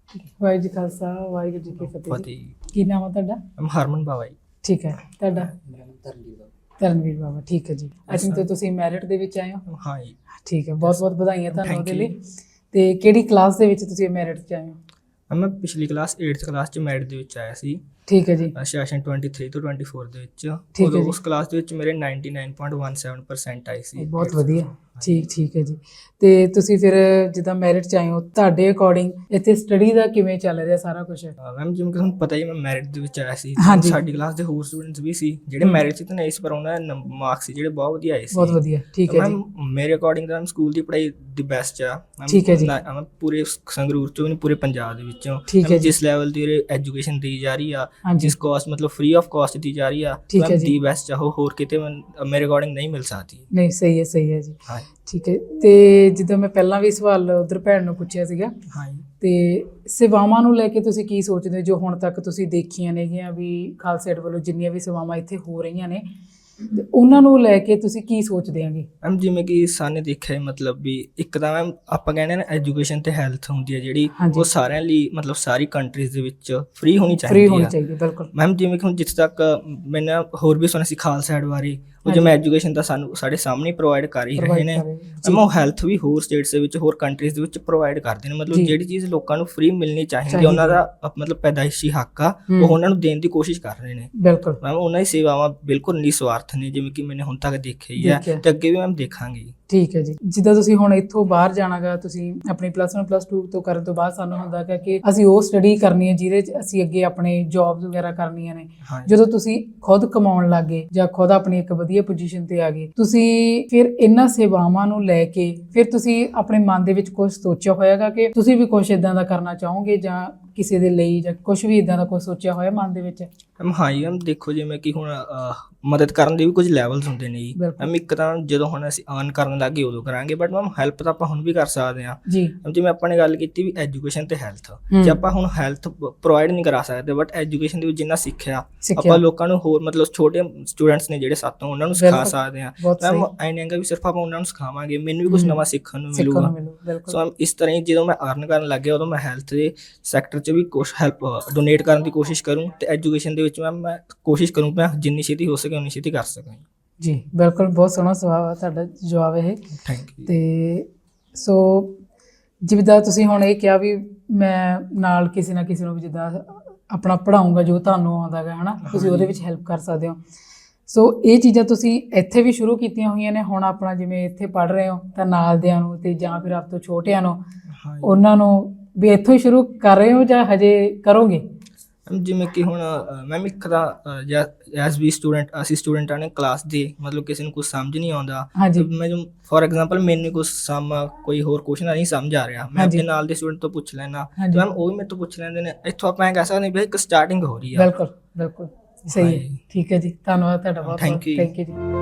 ਵਾਹਿਗੁਰੂ ਜੀ ਕਾ ਖਾਲਸਾ ਵਾਹਿਗੁਰੂ ਜੀ ਕੀ ਫਤਿਹ ਜੀ। ਕੀ ਨਾਮ ਆ ਤੁਹਾਡਾ? ਹਰਮਨ ਬਾਵਾ ਜੀ। ਠੀਕ ਹੈ, ਤੁਹਾਡਾ? ਤਰਨਵੀਰ ਬਾਬਾ। ਠੀਕ ਹੈ ਜੀ। ਅੱਜ ਤੋਂ ਤੁਸੀਂ ਮੈਰਿਟ ਦੇ ਵਿੱਚ ਆਏ ਹੋ? ਹਾਂ ਜੀ। ਠੀਕ ਹੈ, ਬਹੁਤ ਬਹੁਤ ਵਧਾਈਆਂ ਤੁਹਾਨੂੰ ਉਹਦੇ ਲਈ। ਤੇ ਕਿਹੜੀ ਕਲਾਸ ਦੇ ਵਿੱਚ ਤੁਸੀਂ ਮੈਰਿਟ 'ਚ ਆਏ ਹੋ? ਮੈਂ ਪਿਛਲੀ ਕਲਾਸ 8th ਕਲਾਸ 'ਚ ਮੈਰਿਟ ਦੇ ਵਿੱਚ ਆਇਆ ਸੀ। ਠੀਕ ਹੈ ਜੀ। ਸੈਸ਼ਨ 23 ਤੋਂ 24 ਦੇ ਵਿੱਚ। ਠੀਕ ਹੈ ਉਦੋਂ ਜੀ। ਉਸ ਕਲਾਸ ਦੇ ਵਿੱਚ ਮੇਰੇ 99.17% ਆਏ ਸੀ। ਬਹੁਤ ਵਧੀਆ। ਠੀਕ ਹੈ ਜੀ। ਤੇ ਤੁਸੀਂ ਫਿਰ ਜਿੱਦਾਂ ਮੈਰਿਟ 'ਚ ਆਏ ਹੋ, ਤੁਹਾਡੇ ਅਕੋਰਡਿੰਗ ਇੱਥੇ ਸਟੱਡੀ ਦਾ ਕਿਵੇਂ ਚੱਲ ਰਿਹਾ ਸਾਰਾ ਕੁਝ? ਮੈਮ ਜਿਵੇਂ ਕਿ ਤੁਹਾਨੂੰ ਪਤਾ ਹੀ, ਮੈਂ ਮੈਰਿਟ ਦੇ ਵਿੱਚ ਆਇਆ ਸੀ। ਹਾਂਜੀ। ਸਾਡੀ ਕਲਾਸ ਦੇ ਹੋਰ ਸਟੂਡੈਂਟਸ ਵੀ ਸੀ ਜਿਹੜੇ ਮੈਰਿਟ 'ਚ ਤਾਂ ਨਹੀਂ ਸੀ, ਪਰ ਉਹਨਾਂ ਦੇ ਮਾਰਕਸ ਸੀ ਜਿਹੜੇ ਬਹੁਤ ਵਧੀਆ ਆਏ ਸੀ। ਬਹੁਤ ਵਧੀਆ। ਠੀਕ ਹੈ ਜੀ। ਮੈਮ ਮੇਰੇ ਅਕੋਰਡਿੰਗ ਤਾਂ ਸਕੂਲ ਦੀ ਪੜ੍ਹਾਈ ਦੀ ਬੈਸਟ ਆ। ਠੀਕ ਹੈ ਜੀ। ਮੈਂ ਪੂਰੇ ਸੰਗਰੂਰ ਚੋਂ ਵੀ ਪੂਰੇ ਪੰਜਾਬ ਦੇ ਵਿੱਚੋਂ ਠੀਕ ਹੈ ਜੀ। ਜਿਸ ਲੈਵਲ ਦੀ ਐਜੂਕੇਸ਼ਨ ਦੀ ਜਾ ਰਹੀ ਆ, ਹਾਂਜੀ। ਜਿਸ ਕੋਸਟ ਮਤਲਬ ਫ੍ਰੀ ਆਫ ਕਾਸਟ ਦੀ ਜਾ ਰਹੀ ਆ, ਠੀਕ ਹੈ ਮੈਮ ਜੀ। ਦੀ ਬੈਸਟ ਆ ਉਹ, ਹੋਰ ਕਿਤੇ ਮੇਰੇ ਅਕੋਰਡਿੰਗ ਨਹੀਂ ਮਿਲ ਸਕਦੀ। ਨਹੀਂ, ਸਹੀ ਹੈ ਜੀ। ਹਾਂ ਠੀਕ ਹੈ। ਤੇ ਜਿੱਦਾਂ ਮੈਂ ਪਹਿਲਾਂ ਵੀ ਸਵਾਲ ਉਧਰ ਭੈਣ ਨੂੰ ਪੁੱਛਿਆ ਸੀਗਾ, ਹਾਂ। ਤੇ ਸੇਵਾਵਾਂ ਨੂੰ ਲੈ ਕੇ ਤੁਸੀਂ ਕੀ ਸੋਚਦੇ ਹੋ ਜੋ ਹੁਣ ਤੱਕ ਤੁਸੀਂ ਦੇਖੀਆਂ ਨੇਗੀਆਂ ਵੀ ਖਾਲਸਾ ਏਡ ਵੱਲੋਂ ਜਿੰਨੀਆਂ ਵੀ ਸੇਵਾਵਾਂ ਇੱਥੇ ਹੋ ਰਹੀਆਂ ਨੇ, ਤੇ ਉਹਨਾਂ ਨੂੰ ਲੈ ਕੇ ਤੁਸੀਂ ਕੀ ਸੋਚਦੇ ਆਂਗੇ? ਮੈਮ ਜਿਵੇਂ ਕਿ ਸਾਨੇ ਦੇਖਿਆ ਮਤਲਬ ਵੀ ਇੱਕ ਤਾਂ ਮੈਮ ਆਪਾਂ ਕਹਿੰਦੇ ਨਾ ਐਜੂਕੇਸ਼ਨ ਤੇ ਹੈਲਥ ਹੁੰਦੀ ਹੈ ਜਿਹੜੀ, ਉਹ ਸਾਰਿਆਂ ਲਈ ਮਤਲਬ ਸਾਰੀ ਕੰਟਰੀਜ਼ ਦੇ ਵਿੱਚ ਫ੍ਰੀ ਹੋਣੀ ਚਾਹੀਦੀ। ਬਿਲਕੁਲ ਮੈਮ ਜਿਵੇਂ ਕਿ ਹੁਣ ਜਿੱਥੇ ਤੱਕ ਮੈਨੇ ਹੋਰ ਵੀ ਸੁਣਿਆ ਸੀ ਖਾਲਸਾ ਏਡ ਬਾਰੇ, ਉਹ ਜਿਵੇਂ ਐਜੂਕੇਸ਼ਨ ਤਾਂ ਸਾਨੂੰ ਸਾਡੇ ਸਾਹਮਣੇ ਪ੍ਰੋਵਾਈਡ ਕਰ ਹੀ ਰਹੇ ਨੇ। ਮੈਮ ਉਹ ਹੈਲਥ ਵੀ ਹੋਰ ਸਟੇਟਸ ਦੇ ਵਿੱਚ, ਹੋਰ ਕੰਟਰੀਜ਼ ਦੇ ਵਿੱਚ ਪ੍ਰੋਵਾਈਡ ਕਰਦੇ ਨੇ। ਮਤਲਬ ਜਿਹੜੀ ਚੀਜ਼ ਲੋਕਾਂ ਨੂੰ ਫ੍ਰੀ ਮਿਲਣੀ ਚਾਹੀਦੀ, ਉਹਨਾਂ ਦਾ ਮਤਲਬ ਪੈਦਾਇਸ਼ੀ ਹੱਕ ਆ, ਉਹ ਉਹਨਾਂ ਨੂੰ ਦੇਣ ਦੀ ਕੋਸ਼ਿਸ਼ ਕਰ ਰਹੇ ਨੇ। ਬਿਲਕੁਲ ਮੈਮ ਉਹਨਾਂ ਦੀ ਸੇਵਾਵਾਂ ਬਿਲਕੁਲ ਨਿਸਵਾਰਥ ਨੇ, ਜਿਵੇਂ ਕਿ ਮੈਨੇ ਹੁਣ ਤੱਕ ਦੇਖਿਆ ਹੀ ਹੈ ਤੇ ਅੱਗੇ ਵੀ ਮੈਮ ਦੇਖਾਂਗੇ। ਠੀਕ ਹੈ ਜੀ। ਜਿੱਦਾਂ ਤੁਸੀਂ ਹੁਣ ਇੱਥੋਂ ਬਾਹਰ ਜਾਣਾਗਾ, ਤੁਸੀਂ ਆਪਣੀ +1 +2 ਤੋਂ ਕਰਨ ਤੋਂ ਬਾਅਦ ਸਾਨੂੰ ਹੁੰਦਾ ਕਿ ਅਸੀਂ ਉਹ ਸਟੱਡੀ ਕਰਨੀ ਹੈ ਜਿਹਦੇ 'ਚ ਅਸੀਂ ਅੱਗੇ ਆਪਣੇ ਜੌਬਸ ਵਗੈਰਾ ਕਰਨੀਆਂ ਨੇ। ਜਦੋਂ ਤੁਸੀਂ ਖੁਦ ਕਮਾਉਣ ਲੱਗੇ ਜਾਂ ਖੁਦ ਆਪਣੀ ਇੱਕ ਵਧੀਆ ਪੋਜੀਸ਼ਨ ਤੇ ਆ ਗਏ, ਤੁਸੀਂ ਫਿਰ ਇਹਨਾਂ ਸੇਵਾਵਾਂ ਨੂੰ ਲੈ ਕੇ ਫਿਰ ਤੁਸੀਂ ਆਪਣੇ ਮਨ ਦੇ ਵਿੱਚ ਕੁਝ ਸੋਚਿਆ ਹੋਇਆਗਾ ਕਿ ਤੁਸੀਂ ਵੀ ਕੁਝ ਇਦਾਂ ਦਾ ਕਰਨਾ ਚਾਹੋਗੇ ਜਾਂ ਕਿਸੇ ਦੇ ਲਈ, ਜਾਂ ਕੁਝ ਵੀ ਇਦਾਂ ਦਾ ਕੁਝ ਸੋਚਿਆ ਹੋਇਆ ਮਨ ਦੇ ਵਿੱਚ? ਹਾਂ ਜੀ ਮੈਮ ਦੇਖੋ, ਜਿਵੇਂ ਕਿ ਹੁਣ ਮਦਦ ਕਰਨ ਦੇ ਵੀ ਕੁਝ ਲੈਵਲਸ ਹੁੰਦੇ ਨੇ ਜੀ। ਮੈਮ ਇੱਕ ਤਾਂ ਜਦੋਂ ਹੁਣ ਅਸੀਂ ਅਰਨ ਕਰਨ ਲੱਗੇ ਉਦੋਂ ਕਰਾਂਗੇ, ਬਟ ਮੈਮ ਹੈਲਪ ਤਾਂ ਆਪਾਂ ਹੁਣ ਵੀ ਕਰ ਸਕਦੇ ਹਾਂ ਜੀ। ਜਿਵੇਂ ਆਪਾਂ ਨੇ ਗੱਲ ਕੀਤੀ ਵੀ ਐਜੂਕੇਸ਼ਨ ਤੇ ਹੈਲਥ, ਜੇ ਆਪਾਂ ਹੁਣ ਹੈਲਥ ਪ੍ਰੋਵਾਈਡ ਨਹੀਂ ਕਰਾ ਸਕਦੇ, ਬਟ ਐਜੂਕੇਸ਼ਨ ਦੇ ਵਿੱਚ ਜਿੰਨਾ ਸਿੱਖਿਆ ਆਪਾਂ ਲੋਕਾਂ ਨੂੰ ਹੋਰ ਮਤਲਬ ਛੋਟੇ ਸਟੂਡੈਂਟਸ ਨੇ ਜਿਹੜੇ ਸਾਥੋਂ, ਉਹਨਾਂ ਨੂੰ ਸਿਖਾ ਸਕਦੇ ਹਾਂ। ਮੈਮ ਐ ਨਹੀਂ ਹੈਗਾ ਵੀ ਸਿਰਫ ਆਪਾਂ ਉਹਨਾਂ ਨੂੰ ਸਿਖਾਵਾਂਗੇ, ਮੈਨੂੰ ਵੀ ਕੁਝ ਨਵਾਂ ਸਿੱਖਣ ਨੂੰ ਮਿਲੂਗਾ। ਸੋ ਇਸ ਤਰ੍ਹਾਂ ਹੀ ਜਦੋਂ ਮੈਂ ਅਰਨ ਕਰਨ ਲੱਗ ਗਿਆ, ਉਦੋਂ ਮੈਂ ਹੈਲਥ ਦੇ ਸੈਕਟਰ 'ਚ ਵੀ ਕੁਛ ਹੈਲਪ ਡੋਨੇਟ ਕਰਨ ਦੀ ਕੋਸ਼ਿਸ਼ ਕਰੂੰ, ਤੇ ਐਜੂਕੇਸ਼ਨ ਦੇ ਵਿੱਚ ਮੈਂ ਕੋਸ਼ਿਸ਼ ਕਰੂੰ ਮੈਂ ਜਿੰਨੀ ਛੇਤੀ ਹੋ ਸਕੇ ਉਨੀ ਛੇਤੀ ਕਰ ਸਕਾਂ ਜੀ। ਬਿਲਕੁਲ, ਬਹੁਤ ਸੋਹਣਾ ਸਵਾਲ ਤੁਹਾਡਾ ਜਵਾਬ ਇਹ। Thank you. ਤੇ ਸੋ ਜਿੱਦਾਂ ਤੁਸੀਂ ਹੁਣ ਇਹ ਕਿਹਾ ਵੀ ਮੈਂ ਨਾਲ ਕਿਸੇ ਨਾ ਕਿਸੇ ਨੂੰ ਵੀ ਜਿੱਦਾਂ ਆਪਣਾ ਪੜ੍ਹਾਊਂਗਾ ਜੋ ਤੁਹਾਨੂੰ ਆਉਂਦਾ ਗਾ, ਹੈ ਨਾ, ਤੁਸੀਂ ਉਹਦੇ ਵਿੱਚ ਹੈਲਪ ਕਰ ਸਕਦੇ ਹੋ। ਸੋ ਇਹ ਚੀਜ਼ਾਂ ਤੁਸੀਂ ਇੱਥੇ ਵੀ ਸ਼ੁਰੂ ਕੀਤੀਆਂ ਹੋਈਆਂ ਨੇ। ਹੁਣ ਆਪਣਾ ਜਿਵੇਂ ਇੱਥੇ ਪੜ੍ਹ ਰਹੇ ਹੋ ਤਾਂ ਨਾਲਦਿਆਂ ਨੂੰ ਤੇ ਜਾਂ ਫਿਰ ਆਪ ਤੋਂ ਛੋਟਿਆਂ ਨੂੰ, ਉਹਨਾਂ ਨੂੰ ਵੀ ਇੱਥੋਂ ਹੀ ਸ਼ੁਰੂ ਕਰ ਰਹੇ ਹੋ ਜਾਂ ਹਜੇ ਕਰੋਗੇ? ਜਿਵੇਂ ਕਿ ਹੁਣ ਮੈਮ ਇੱਕ ਤਾਂ ਐਸ ਵੀ ਸਟੂਡੈਂਟ, ਅਸੀਂ ਸਟੂਡੈਂਟਾਂ ਨੇ ਕਲਾਸ ਦੇ, ਮਤਲਬ ਕਿਸੇ ਨੂੰ ਕੁਝ ਸਮਝ ਨਹੀਂ ਆਉਂਦਾ, ਮੈਂ ਫੋਰ ਐਗਜ਼ਾਮਪਲ ਮੈਨੂੰ ਕੁਝ ਕੋਈ ਹੋਰ ਕੁਐਸਚਨ ਨਹੀਂ ਸਮਝ ਆ ਰਿਹਾ, ਮੈਂ ਆਪਣੇ ਨਾਲ ਦੇ ਸਟੂਡੈਂਟ ਤੋਂ ਪੁੱਛ ਲੈਣਾ, ਮੈਮ ਉਹ ਵੀ ਮੇਰੇ ਤੋਂ ਪੁੱਛ ਲੈਂਦੇ ਨੇ। ਇੱਥੋਂ ਆਪਾਂ ਇਹ ਕਹਿ ਸਕਦੇ ਵੀ ਇੱਕ ਸਟਾਰਟਿੰਗ ਹੋ ਰਹੀ ਆ। ਬਿਲਕੁਲ ਸਹੀ ਹੈ। ਠੀਕ ਹੈ ਜੀ, ਧੰਨਵਾਦ ਤੁਹਾਡਾ ਬਹੁਤ। ਥੈਂਕ ਯੂ ਜੀ।